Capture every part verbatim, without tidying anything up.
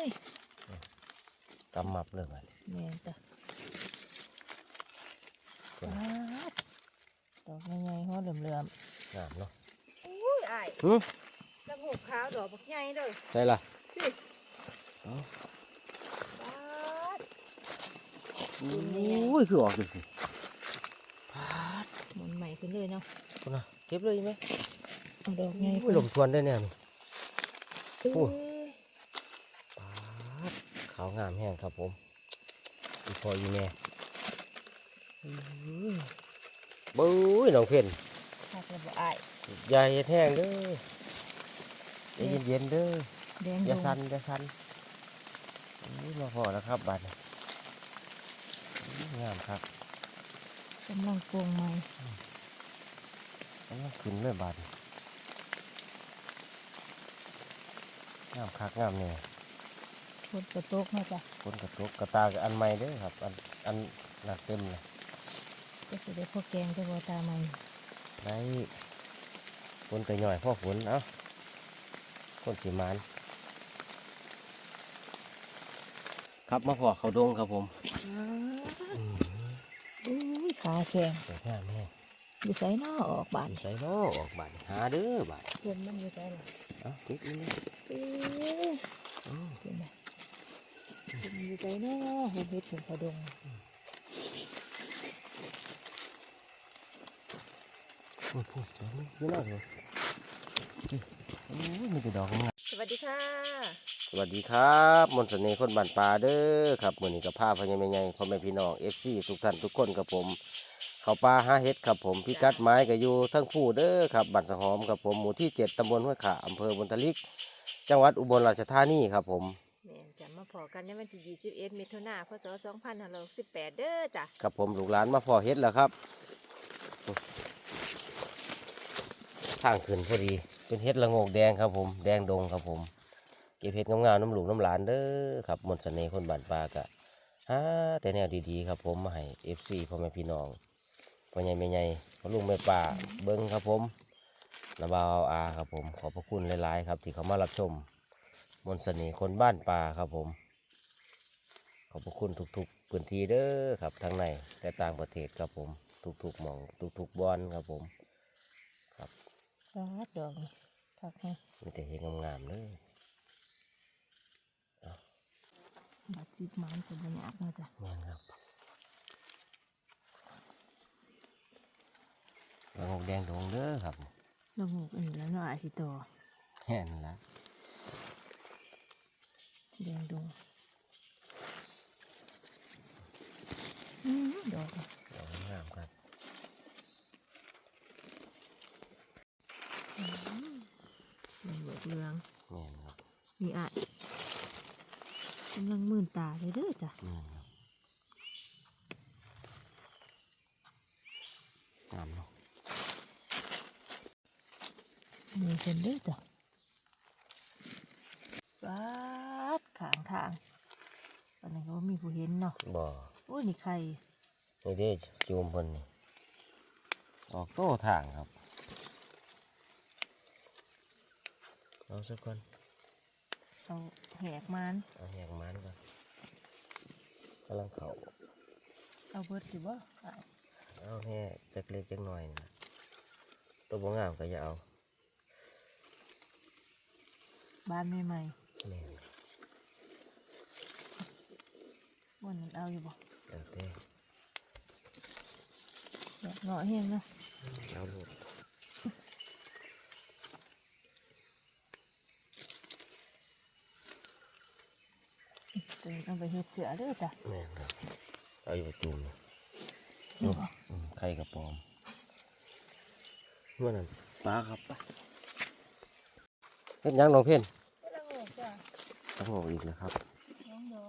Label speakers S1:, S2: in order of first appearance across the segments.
S1: ย
S2: กำมับเลยมัน
S1: แม่จ้ะดอกใหญ่ๆหัวเหลื่อม
S2: ๆงามเนาะ
S1: อุ้ยไอ้
S2: หือ
S1: ตะหูขาวดอกบักใหญ่เลย
S2: ใช่ล่ะอุ้ยคือออกสิ
S1: หมุนใหม่ขึ้นเลยเนาะ
S2: คุณน่ะเก็บเลยไหม
S1: ดอกใหญ่
S2: ลมทวนได้แน่นี่โอ้ขาวงามแห้งครับผมอีพออีแม่บุ้ยน้องเพ่น
S1: ถ้าจะบ่ไอ้
S2: ยาเห็ดแห้งเด้อเย็นเย็นเด้ออย่าสั่นอย่าสั่นนี่มาพอแล้วครับบัดงามครับ
S1: กำลังโกงใหม่
S2: กำลังขึ้นเลยบัดงามคักงามเนี่ย
S1: ฝนกระตกนะจ๊ะ
S2: ฝนกระตกกระตาอันใหม่เด้อครับอันอันหนักเต็มเลย
S1: ก็จะได้พวกแกงจะบ่ตาใหม่
S2: ได้ฝนกระหน่อยพ่อฝนเอ้าคนสีมันครับมาพอเขาดงครับผม
S1: อุ้ยขาแข็ง
S2: สวยงามแม่
S1: อยู่ใส่นอออกบาน
S2: ใส่นอออกบานหาเด้อบาน
S1: เพื่อนมันอยู่ใส่หรอ
S2: เอ้าติดนี่
S1: เอ้ยเห็นไหมอยู่ใส่นอเห็ดเห็ดถึงเขาดง
S2: โอ้โหดอกนี้เยอะมากเลยโอ้ยมีแต่ดอกงาม
S1: สวัสดีค่ะ
S2: สวัสดีครับมนต์เสน่ห์คนบ้านป่าเด้อครับมื้อนี้กับผ้าพญาแม่ใหญ่พ่อแม่พี่น้อง เอฟ ซี ทุกท่านทุกคนครับผมเข้าป่าหาเห็ดครับผมพิกัดไม้ก็อยู่ทั้งผู้เด้อครับบ้านสะหอมครับผมหมู่ที่เจ็ดตำบลห้วยขาอำเภอบนทลิกจังหวัดอุบลราชธานีครับผม
S1: แม่จะมาพอกันในวันที่ยี่สิบเอ็ดมิถุนายนพศสองพันห้าร้อยหกสิบแปดเด้อจ้ะ
S2: ครับผมลูกหลานมาพอเห็ดแล้วครับทางขึ้นพอดีเป็นเห็ดละโงกแดงครับผมแดงดงครับผมเก็บเห็ดงามๆน้ำหลูกน้ำหลานเด้อครับมนต์เสน่ห์คนบ้านป่ากะฮะแต่แนวดีๆครับผมมาให้ เอฟ ซี พ่อแม่พี่น้องพ่อใหญ่แม่ใหญ่พ่อลุงแม่ป่าเบิ้งครับผมนาบ่าวอาครับผมขอบพระคุณหลายๆครับที่เขามารับชมมนต์เสน่ห์คนบ้านป่าครับผมขอบพระคุณทุกๆพื้นที่เด้อครับทั้งในและต่างประเทศครับผมทุกๆหม่องทุกๆบอนครับผมครับ
S1: ดอกทักให้
S2: มีแต่เห็ดงามๆเลย
S1: บาดจิบมันเป็นระยะนะจ๊ะ
S2: แม่นครับละโงกแดงดงเด้อครับ
S1: ละโงกอันนี้แล้วเนาะอาชิโต
S2: แห่นละ
S1: แดงดงดอก
S2: ดอกงามครับ
S1: เหลืองเหลือง
S2: แม่นครับ
S1: นี่อ่ะกำลังมื่นตาเลยเด้อจ้ะ
S2: แม่นครับงามเนาะ
S1: มีเป็นเด้อจ้ะปาดขางทางตอนนี้ก็มีผู้เห็นเนาะ
S2: บ่
S1: โอ้ยนี่ใคร
S2: นี่เด้จูมเพิ่นนี่ออกโต้ทางครับเอาสักคน
S1: เอาแหกมัน
S2: เอาแหกมันก่อนกำลังเข่า
S1: เอาเบิดสิบ่
S2: เอาแค่จักเล็กจักหน่อยนะตัวบ่งามก็อย่าเอา
S1: บ้านใหม่
S2: ๆนี่
S1: วันนั้นเอาอยู่บ่
S2: แล้วแต่
S1: เงาะเห็นเนาะ
S2: เอาลูก
S1: เอาไปเฮ็ดเจือเด้อจ้ะ
S2: แม่ครับเอาอยู่จุ่มไข่กระป๋อมเมื่อนั้นปลาครับปะเฮ็ดยังน้องเพ่น
S1: ละโงกจ้ะ
S2: ละโงกอีกแล้วครับ
S1: น้องด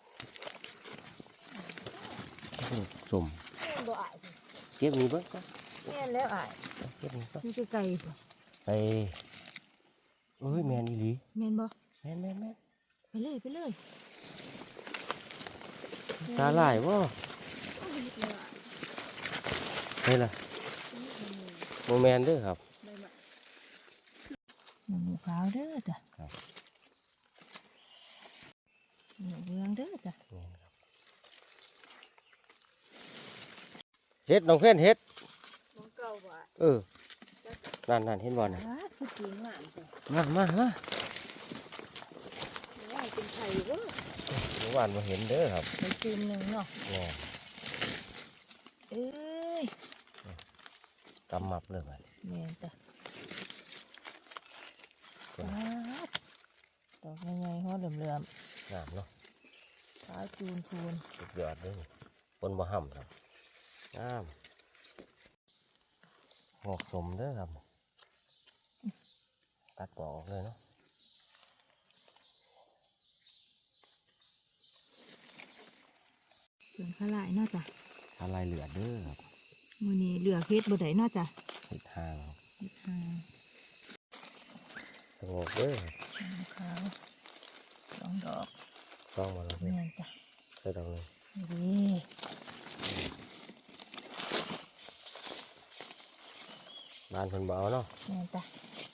S1: อก
S2: สุ่ม
S1: บ่อาย
S2: เก็บนี้เบิ่งก็
S1: แม่นแล้วอาย
S2: เก็บนี้ก็
S1: มีไก่
S2: ไปเอ้ยแมนอีหลี
S1: แม่นบ่
S2: แมนแมนแมน
S1: ไปเลยไปเลย
S2: ตาลายบ่เฮ้ยล่ะโมแมนเด้อครับ
S1: หมูขาวเด้อจ้ะเหลืองเด้อจ้ะ
S2: เฮ็ดน้องเพื่อนเฮ็ด
S1: มองเก่าบ่
S2: เออนั่นนั่นเห็นบ่น่ะ
S1: ว้าคือสีงามจ้ะ
S2: มามามา
S1: ว่าเป็นไข่เด้อ
S2: เมื่อวานมาเห็นเด้อครับ
S1: ไข่จูมหนึ่งเนาะ
S2: แนี่
S1: เอ้ย
S2: กำมับเลยบัด
S1: แม่นจ้ะว้าดอกใหญ่ๆหัวเหลื่อม
S2: งามเนาะ
S1: ๆขาวจูนพูน
S2: สุดยอดเลยคนบ่ห่ำครับงามงอกสมเด้อครับตัดปอกออกเลยเนาะ
S1: ส่วนข้าลายเนาะจ้ะ
S2: อะไรเหลือเด้อครับ
S1: มื้อนี้เหลือเฮ็ดบ่ได้เนาะจ้ะ
S2: เห็ดหาง
S1: เฮ็ดหาง
S2: สงบเด้อ
S1: ขาวสองดอก
S2: ต้องมาแล้วเด้อ
S1: แม่นจ้ะ
S2: ใส่ดอกเลย
S1: นี่
S2: บานเพิ่นบ่เอาเนาะ
S1: แม่นจ้ะ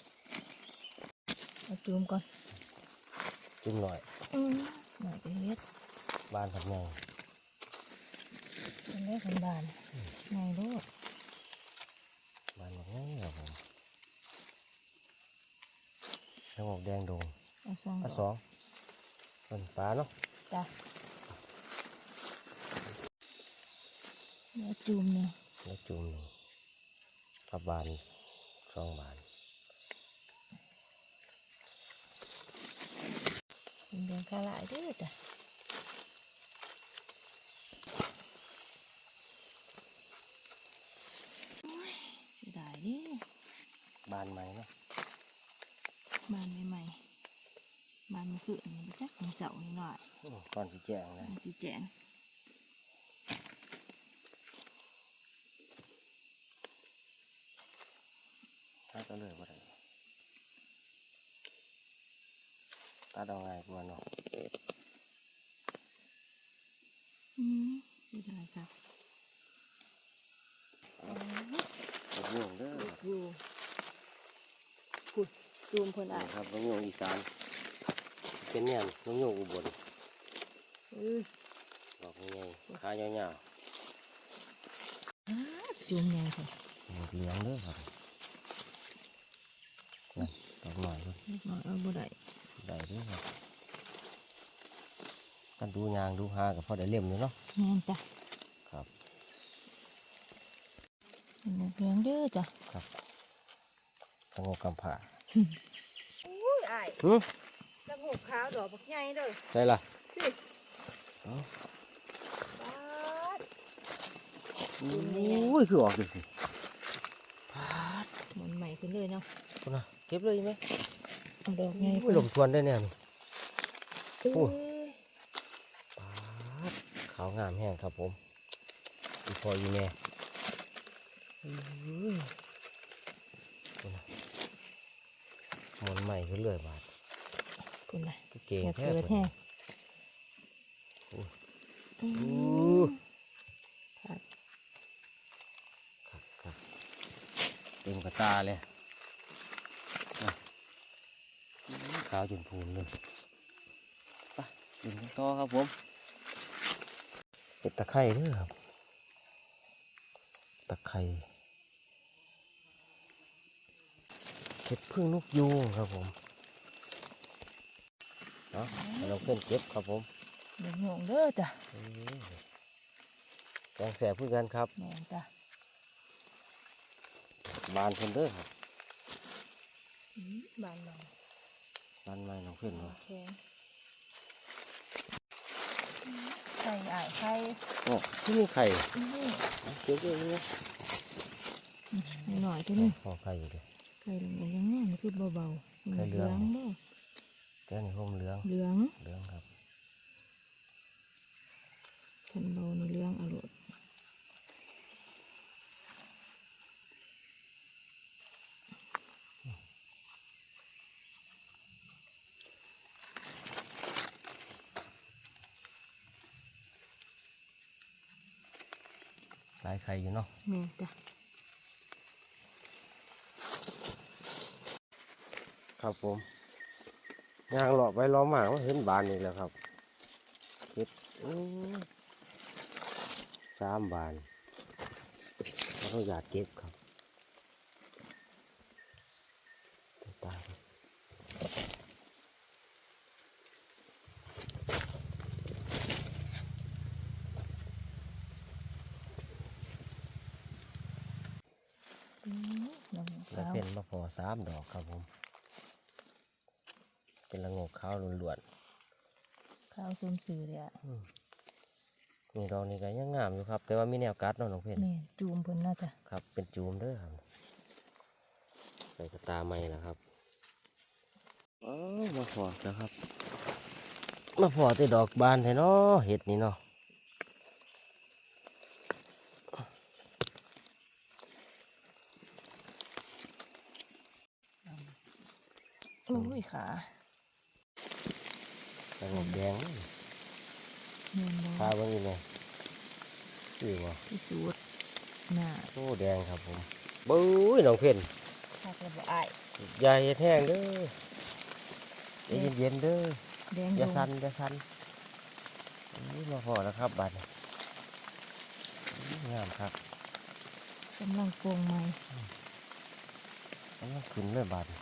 S1: เอาจูมก่อน
S2: จิ้มหน่อย
S1: อืมหน่อยจะเฮ็ด
S2: บานผัดใหญ่
S1: เป็นได้คนบานไงลูก
S2: บานแบบนี้ครับผมสงบแดงดง
S1: เอาสอง
S2: อัน
S1: ด
S2: ส
S1: อก
S2: องเป็นปลาเนาะ
S1: จ้ะแล้วจูมเนี่ย
S2: แล้วจุ่มหนึ่งกับบานสองบาน
S1: เป็นเดือนข้าหลายเด้อจ้ะโอ้ยเสียดายเด้อบ
S2: านใหม่เนาะ
S1: บานใหม่ๆบานมันคืออันนี้จ้ะมันเสานี่หน่อย
S2: อื้อก่อนที่แจ้งเลย
S1: มันสีแจง
S2: ถ้าก็เลยว่าไรตาดองไงกว่าเนาะ
S1: อืมเสียดายครับ
S2: มะม่วงเด้อ
S1: ดูพุดจูมคนอ่ะ
S2: นี่ครับมะม่วงอีสานเป็นเนี่ยมะม่วงอุบล
S1: เออ
S2: ดอกใหญ่ขายาว
S1: อ้าจูมใหญ่ค่ะ
S2: ๆหมดเหลืองเด้อครับนั่นดอกหน่อยก็
S1: เล็กน้อยเอาบ่ได้
S2: ได้เด้อครับกันดูยางดูหากับพอได้เล่มอยู่เนาะ
S1: แม่นจ้ะ
S2: ครับ
S1: เป็นเลี้ยงเด้อจ้ะ
S2: ครับสงบกำผา
S1: อุ้ยอ้าย
S2: หือ
S1: ตะโขกขาวดอกบักใหญ่เด้อ
S2: ใช่ล่ะ
S1: สิ
S2: เอ้า
S1: ปาด
S2: อุ้ยคือออกจังสิ
S1: มันใหม่ขึ้นเลยเนาะ
S2: คุณนะเก็บเลยไหม
S1: เอาดอกใหญ่
S2: อุ้ยลมทวนได้แน่นี่
S1: เอ้ย
S2: โอ้ ปาดขาวงามแห้งครับผมอีพออีแม่อื้อคุณนะหมันใหม่ขึ้นเลยบาด
S1: คุณน่ะ
S2: ก็เก่ง
S1: อย่า
S2: แท้
S1: เกิด
S2: เพิ่
S1: แห้
S2: น
S1: ง
S2: โอ้ย
S1: อื
S2: อู้
S1: มครับ
S2: ครับครับเต็มกระตาเลยนะอื้อขาวจนพูนเลยไปดึงต่อครับผมเห็ดตะไคร้เด้อครับ ตะไคร้เห็ดพึ่งนกยูงครับผมเนาะให้เราเพื่อนเก็บครับผม
S1: เดี๋ยวงงเด้อจ้ะ
S2: อื้อแกงแสบพื่อกันครับ
S1: แม่นจ้ะ
S2: บานเพิ่นเด้อครับ
S1: อืมบานใหม่
S2: บานไม้น้องเพื่อน
S1: โอ
S2: เนาะ
S1: เคไข่อ้ายไข่
S2: โอ้ที่มีไข่
S1: นี่
S2: เก็บเลยเนี่ย
S1: หน่อยที่นี่
S2: ห่อไข่อยู่เด้อ
S1: ไข่เหลืองยังงามคือเบาๆ
S2: ไข่เหลือง
S1: เด้อ
S2: แกงนี่ห่มเหลือง
S1: เหลือง
S2: เหลืองครับ
S1: คันเบาในเหลืองอร่อย
S2: หลายไข่อยู่เนาะ
S1: แม่นจ้ะ
S2: ครับผมยางหลอกไปล้อมหมากว่าเห็นบานอีกแล้วครับเห็ดอื้อสามบานเราต้องอยากเก็บครับตายครับ
S1: อืมดอก
S2: แล้ว
S1: ขาว
S2: เป็นมะพร้าวสามดอกครับผมเป็นละโงกขาวล้วน
S1: ขาวส้มสื่อเลยอ่ะ
S2: ๆอืมนี่ดอกนี้ก็ยังงามอยู่ครับ แต่ว่ามีแนวกัดเนาะน้องเพ่น
S1: แม่นจูมเพิ่นน่าจะ
S2: ครับเป็นจูมเด้อครับใส่กระตาไม้นะครับอ๋อมาพอแล้วครับมาพอแต่ดอกบานแท้เนาะเห็ดนี่เนาะ
S1: โอ้ยขา
S2: ละโงกแดงนี่
S1: แม่นบ่
S2: พาเบิ่งอีกเลยคือบ่
S1: พิสูจน์หน้า
S2: โอ้แดงครับผมบุ้ยน้องเพ่น
S1: คักแล้วบ่อาย
S2: อย่าเห็ดแห้งเด้อใจเย็นๆเด้อ
S1: แดง
S2: อย่า
S1: ดง
S2: สั่นอย่าสั่นนี่มาพอแล้วครับบัดนี้งามครับ
S1: กำลังโปร่งใหม่
S2: มันยังขึ้นเลยบัดนี้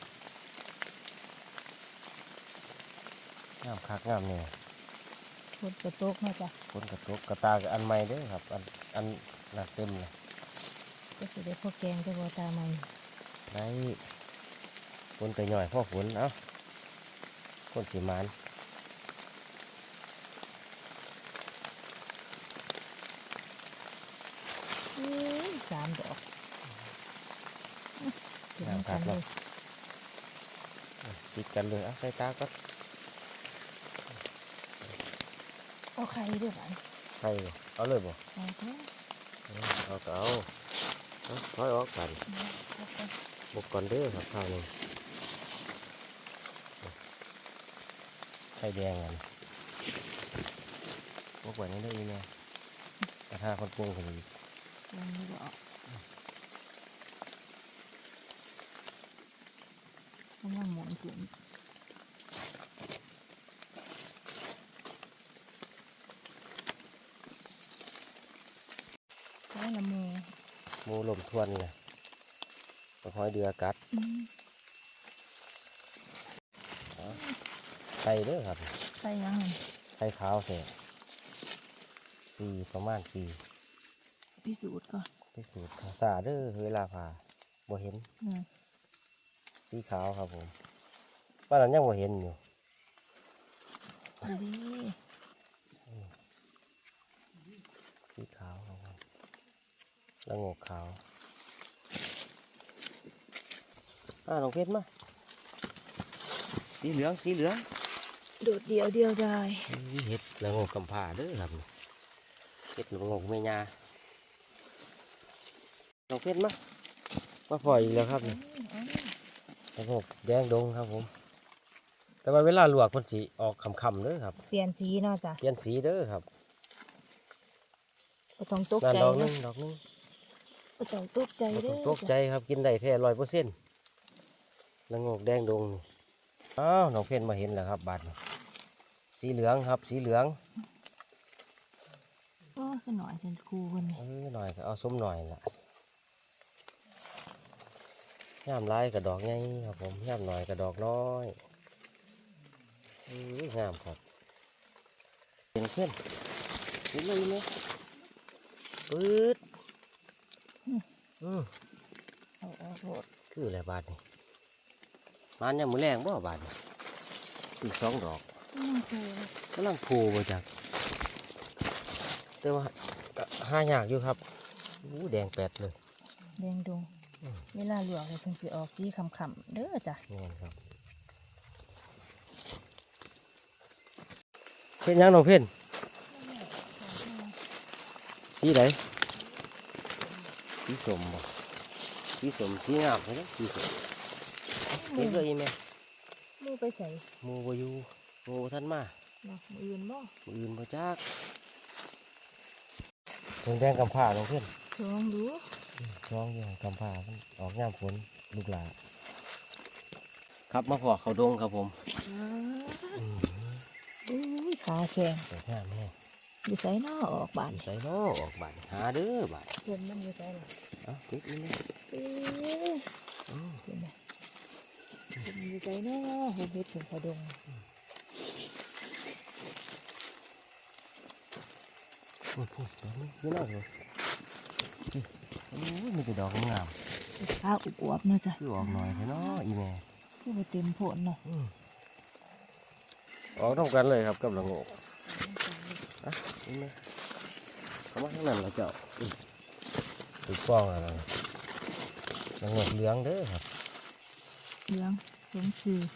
S2: งามคักงามเนี่ย
S1: ฝนกระตกน่าจะ
S2: คนกระตุกกระตากับอันใหม่เด้อครับ อันอันหนักเต็มเลย
S1: ก็สิได้พอแกงแต่บ่ตาใหม่
S2: ได้คนกระหน่อยพ่อฝนเอ้าคนสีมัน
S1: อุ้ยสามดอกถึงกันเลย
S2: ติดกันเลยเอาใส่ตาก็
S1: เอาไข่ด้วยกัน
S2: ใส่เอาเลยบ่
S1: เอาเถอะ
S2: เอาก็เอาเอาถอยออกกัน
S1: เอาไป
S2: บกก่อนเด้อครับข้าวนี่ไข่แดงกันบกไว้นี่ได้ออีแม่กระทาคนปรุงคนอีก
S1: ลองดูเอากำลังหมุนถุงใช้ละมือ
S2: หมูลมทวนนี่นะตะหอยเดือกัด
S1: อืม
S2: ไข่เด้อครับ
S1: ใส่ยังไง
S2: ไข่ขาวเสร็จสี่ประมาณสี่
S1: พิสูจน์ก่อน
S2: พิสูจน์สาเด้อเวลาผ่าบ่เห็น
S1: อืม
S2: สีขาวครับผมบ้านนั้นยังบ่เห็นอยู่
S1: ดูดิ
S2: สีขาวครับผมละโงกขาวอ่าน้องเพชรมาสีเหลืองสีเหลือง
S1: โดดเดียวเดียวได้
S2: นี่เห็ดละโงกกำพร้าเด้อครับเห็ดละโงกแม่ยาน้องเพชรมามาปล่อยอีกแล้วครับนี่ละโงกแดงดงครับผม แต่ว่าเวลาลวกคนสีออกคำๆเด้อครับ
S1: เปลี่ยนสีเนาะจ้ะ
S2: เปลี่ยนสีเด้อครับ
S1: บ่ต้องตก
S2: นั่น
S1: ใจ
S2: ดอกหนึ
S1: นะ
S2: งดอกหนึง
S1: บ่ต้องตกใจ
S2: บ่
S1: เด้
S2: ต้อง
S1: อ
S2: ตกใจครับกินได้แท้ร้อยเปอร์เซ็นต์ละโงกแดงดงนี่อ้าวน้องเพชรมาเห็นแล้วครับบาดนี้สีเหลืองครับสีเหลือง
S1: โอ้ขึ้นหน่อยเป็นครูคนนี้
S2: เออหน่อยก็เอาส้มหน่อยละย่ามลายกับดอกใหญ่ครับผมย่ามหน่อยกับดอกน้อยเอองามครับเป็นเพื่อนเห็นเลยไหมปื๊ดอืม
S1: เอาออกโหด
S2: คืออะไรบาทนี่มันยังมือแรงบ่บาทนี่อีกสองดอก
S1: อืมครู
S2: กำลังโผล่มาจากแต่ว่าก็หายากอยู่ครับอู้แดงแปดเลย
S1: แดงดงเวลาลวกเลยเพิ่นสิออกสีคำๆเด้อจ้ะ
S2: นี่นครับเพ่นยังน้องเพ่นสีไหนสีสมบ่สีสมสีงามเลยนะสีสมเห็นเลยไหม
S1: มือไปใส่
S2: หมูบอยู่หมูบ่ท่านมา
S1: เนาะมืออื่นบ่
S2: หมูอื่นมาจากแดงแดงกำผ้าน้องเพ่น
S1: ลองดู
S2: ช่องอยู่กำผ้ามันออกยามฝนลูกหลาครับมาพอเขาดงครับผม
S1: อ้า
S2: อืม
S1: อุ้ยขาแข็ง
S2: สวยงามแห้ง
S1: อยู่ไสน้อออกบาน
S2: ใส่ล้อออกบานหาเด้อบาน
S1: เพิ่นมันอยู่ไสล่ะ
S2: เอ้านิดนึง
S1: เอ้ย
S2: อือ
S1: เห็นไหมเพิ่นอยู่ไสน้อเฮ็ดเฮ็ดเพิ่นพอดง
S2: พูดพูดดอกนี้เยอะมากเลยนี่โอ้ยมีแต่ดอกงาม
S1: ขาอวบๆเนาะจ้ะ
S2: คือออกหน่อยเถอะเนาะอีแม่
S1: คือบ่เต็มโพนเนาะ
S2: อืมออกต้องกันเลยครับกับละโงกอ่ะนี่แม่เข้ามาข้างนั้นแล้วเจ้าอืมถูกฟ้องอะไรละโงกเหลืองเด้อครับ
S1: เหลืองสมชื่อ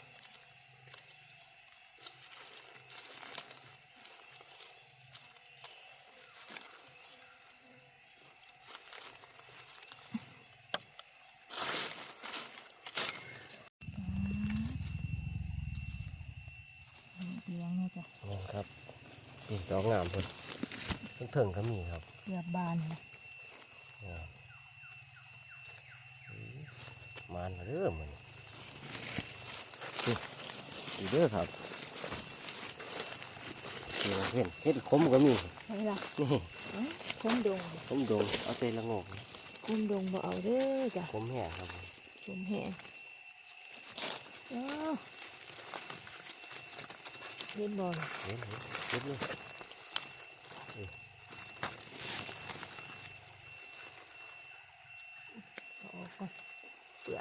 S1: เหลืองเนาะจ้ะ
S2: นี่ครับนี่ดอกงามเพิ่นเพิ่งถึงก็มีครับ
S1: เกือบบานนะ
S2: งามอืมมานมาเด้อมันนี่อีเด้อครับนี่เห็นเห็ดขมก็มี
S1: ใช่ล่ะ
S2: นี่
S1: เอ้าคมดง
S2: ขมดงเอาแต่ละโงกนี่
S1: คมดงบ่เอาเด้อจ้ะ
S2: ขมแห้งครับผม
S1: คมแห้งอ้าวเห็นบ่ล่ะ
S2: เห็นเห็นเห็นเลย
S1: เอาออกก่อนเปื่อน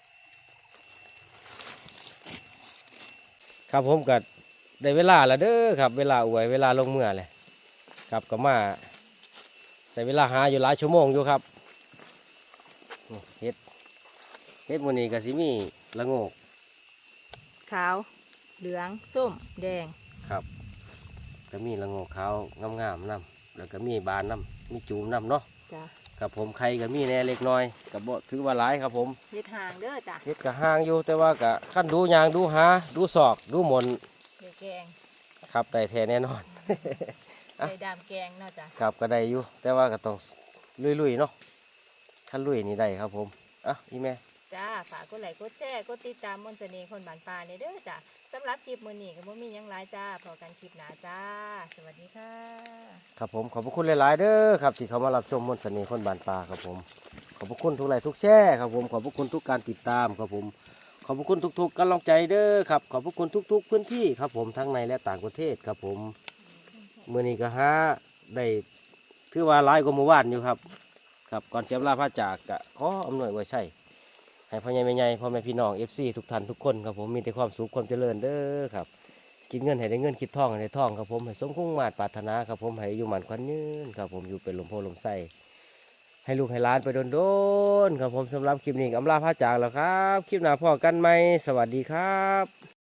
S2: ครับผมก็ได้เวลาแล้วเด้อครับ เวลาอวยเวลาลงเมื่อเลยครับก็มาใส่เวลาหาอยู่หลายชั่วโมงอยู่ครับนี่เฮ็ดเฮ็ดวันนี้ก็สิมีละโงก
S1: ขาวเหลืองส้มแดง
S2: ครับก็มีละโงกขาวงามๆนํแล้วก็มีบานนํมีจูมนํเนาะ
S1: จ้ะ
S2: ครับผมไข่ก็มีแหน่เล็กน้อยก็บ่ถือว่าหลายครับผม
S1: เฮ็ดห่างเด้อจ้ะ
S2: เฮ็ดก็ห่างอยู่แต่ว่าก็ขั้นดูยางดูหาดูศอกดูหมน
S1: เดี๋ยวแกง
S2: ครับได้แท้แน่นอน อ่ะ
S1: ใส่ดามแกงเนาะจ้ะ
S2: ครับก็ได้อยู่แต่ว่าก็ต้องลุยๆเนาะถ้าลุยนี่ได้ครับผมอ่ะอีแม่
S1: จ้าฝากกดไลค์กดแชร์กดติดตามมนต์เสน่ห์คนบ้านป่าเนี่ยเด้อจ้ะสำหรับคลิปมื้อนี้ก็บ่มีหยังหลายจ้าพอกันคลิปหน้าจ้า สวัสดีค่ะ
S2: ครับผมขอบพระคุณหลายๆเด้อครับที่เขามารับชมมนต์เสน่ห์คนบานปลาครับผมขอบพระคุณทุกไลค์ทุกแชร์ครับผมขอบพระคุณทุกการติดตามครับผมขอบพระคุณทุกๆกำลังใจเด้อครับขอบพระคุณทุก ๆ พื้นที่ครับผมทั้งในและต่างประเทศครับผมมื้อนี้ก็หาได้คือว่าหลายกว่าเมื่อวานอยู่ครับครับก่อนเสียเวลาพระจากก็ขออำนวยไว้ใช่ให้พ่อใหญ่แม่ใหญ่พ่อแม่พี่น้อง เอฟ ซี ทุกท่านทุกคนครับผมมีแต่ความสุขความเจริญเด้อครับกินเงินให้ได้เงินคิดทองให้ได้ทองครับผมให้สมคุ้งมาตรปรารถนาครับผมให้อยู่หมันควันยืนครับผมอยู่เป็นลมโพลมไส้ให้ลูกให้หล้านไปโดนๆครับผมสำหรับคลิปนี้ก็อำลาพระจากแล้วครับคลิปหน้าพ่อกันไหมสวัสดีครับ